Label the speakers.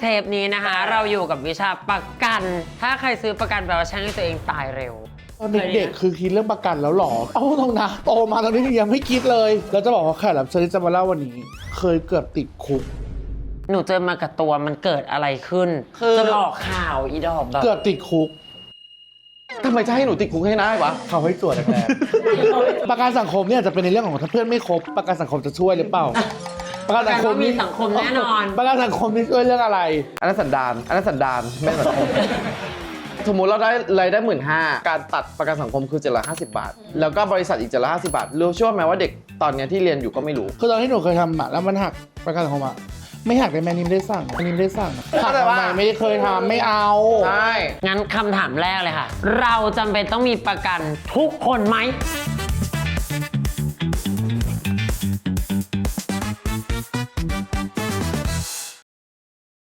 Speaker 1: เทปนี้นะคะ เราอยู่กับวิชาประกัน ถ้าใครซื้อประกันแปลว่าช่างให้ตัวเองตายเร็ว
Speaker 2: ตอนเด็กๆคือคิดเรื่องประกันแล้วหรอ เอาตรงนะโตมาตอนนี้ยังไม่คิดเลย แล้วจะบอกว่าแขกรับเชิญที่จะมาเล่าวันนี้ เคยเกือบติดคุก
Speaker 1: หนูเจอมากับตัวมันเกิดอะไรขึ้น
Speaker 3: คือ
Speaker 1: จนออกข่าวอีดอกแบบ
Speaker 2: เกือบติดคุก
Speaker 3: ทำไมจะให้หนูติดคุกให้ได้วะ
Speaker 2: เขาให้ตรวจแรกๆ ประกันสังคมเนี่ยจะเป็นในเรื่องของถ้าเพื่อนไม่ครบประกันสังคมจะช่วยหรือเปล่า ประกันสังคม
Speaker 1: มีสังคมแน่นอน
Speaker 2: ประกันสังคมนี่ช่วยเรื่องอะไร
Speaker 3: อันนั้นสันดานไม่สังคม สมมุติเราได้รายได้15,000การตัดประกันสังคมคือ750 บาท แล้วก็บริษัทอีก750 บาทรู้เชื่อไหมว่าเด็กตอนเนี้ยที่เรียนอยู่ก็ไม่รู้
Speaker 2: คือตอนที่หนูเคยทำอะแล้วมันหักประกันสังคมอะไม่หักได้ไหมนี่ไม่ได้สั่งอันนี้ไม่ได้สั่งหักทำไมไม่ได้เคยทำไม่เอา
Speaker 3: ใช่
Speaker 1: งั้นคำถามแรกเลยค่ะ เราจำเป็นต้องมีประกันทุกคนไหม